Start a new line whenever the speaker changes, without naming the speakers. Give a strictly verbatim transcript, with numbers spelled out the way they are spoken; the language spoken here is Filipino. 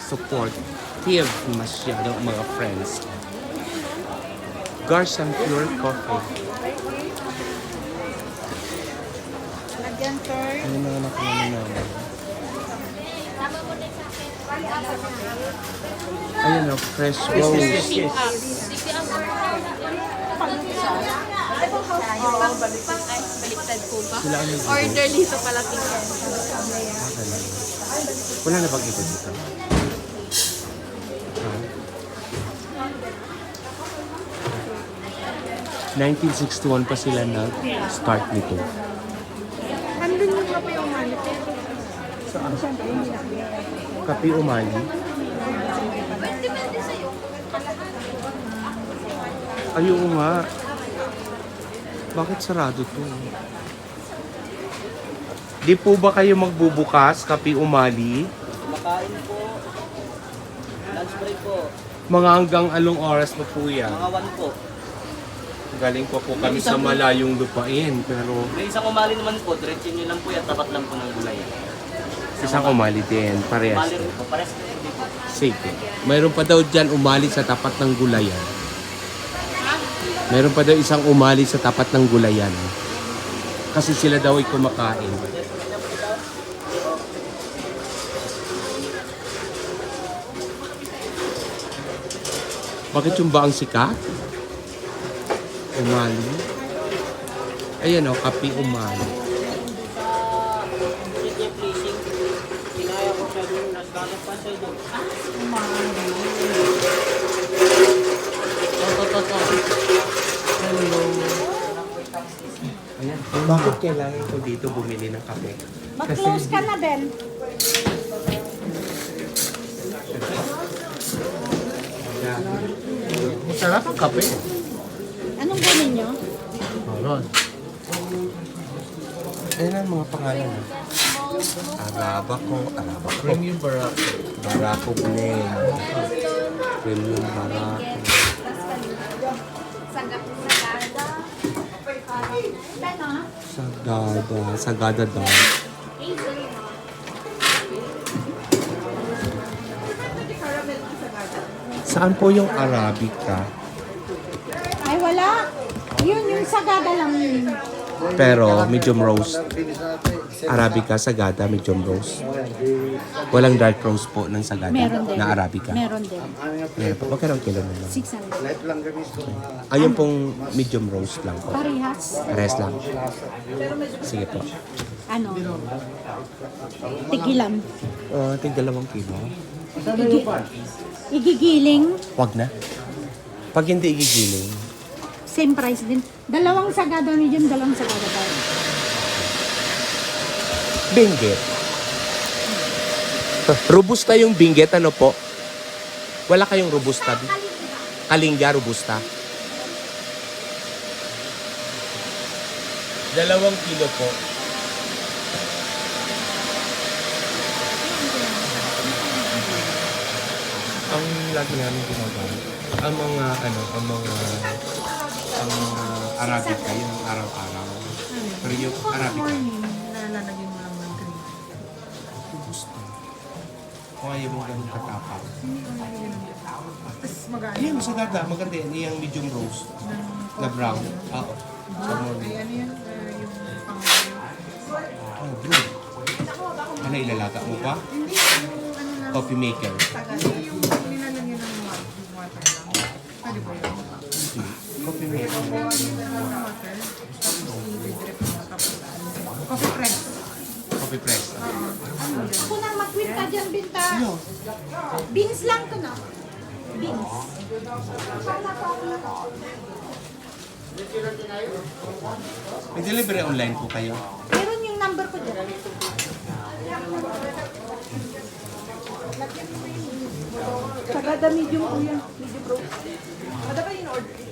supportive masyado ang mga friends. Garcia Pure Coffee.
Lagyan, sir.
Ano na nakuha namin? Ayun o, fresh rose.
Baliktad po ba?
Sila ano dito?
Order dito pala tingnan.
Ah, ganun. Wala na bang iba dito? Ha? nineteen sixty-one pa sila nag-start nito.
Andun yung kape yung malipit.
Saan? Kapi Umali? Ayun nga. Bakit sarado to? Di po ba kayo magbubukas, Kapi Umali?
Makain po. Lunch break po.
Mga hanggang along oras pa po yan?
Mga one po.
Galing pa po kami sa malayong lupain, pero
May isang umali naman po. Diretso nyo lang po yan. Tapat lang po ng gulay.
isang umali din, parehas.
Umali rin po. Pares po hindi po.
Sige. Mayroon pa daw dyan umali sa tapat ng gulayan. Mayroon pa daw isang umali sa tapat ng gulayan. Kasi sila daw ay kumakain. Bakit yung ba ang sikat? Umali. Ayan o, kapi umali.
Sige, pleasing. Kinaya ko siya doon. Nasganap pa siya doon. To, to, to, to.
Hello. Ayan. Bakit kailangan ko dito bumili ng kape?
Mag-close ka na, Ben.
Masarap ang kape.
Anong ganin nyo?
Meron. Ayan ang mga pangalan. Arabaco, Arabaco. Premium Barako. Barako Blend. Premium Barako. Sagada. Sagada daw. Saan po yung Arabica?
Ay, wala. Yun, yung sagada lang yun.
Pero medium roast. Arabica, Sagada, medium roast. Walang dark roast po ng Sagada
Meron din.
na Arabica.
Meron din.
Meron po. Magkano ang kilo na lang?
six hundred.
Ayun pong medium roast lang po.
Parehas.
Rest lang. Sige po.
Ano? Tigilan.
Uh, tig dalawang kilo.
Igi- igigiling.
Wag na. Pag hindi igigiling,
Same price din. Dalawang sagada medium, dalawang sagada tayo.
binggit. Robusta yung binggit, ano po? Wala kayong robusta? Kalingga, robusta. Dalawang kilo po. Ang lagi namin ginagawa, ang mga ano, ang mga ang mga Arabica, yung araw-araw. Pero yung Arabica,
Nalalagyan mo lang ng green.
gusto. Kung ayaw mo ganun katapang.
Tapos mag-ano?
Ayun, sagada. Maganda yan. Yung medium roast. Na brown. Oo. Sa morning.
Ano yan? Yung pang...
Oh, blue. Ano, ilalaga mo pa?
Hindi, yung ano na...
Coffee maker.
Sagada. Yung nilalagyan ng water lang. Pwede ba yun?
Coffee maker.
Water. Tapos i-drip mo. Tapos ano? Coffee press.
Coffee press.
Ako nang mag-quit ka dyan, Binta. Beans lang to, no? Beans.
May delivery online po kayo.
Meron yung number ko dyan. Sagada medium po yan. Medium bro. Kada ba yung order?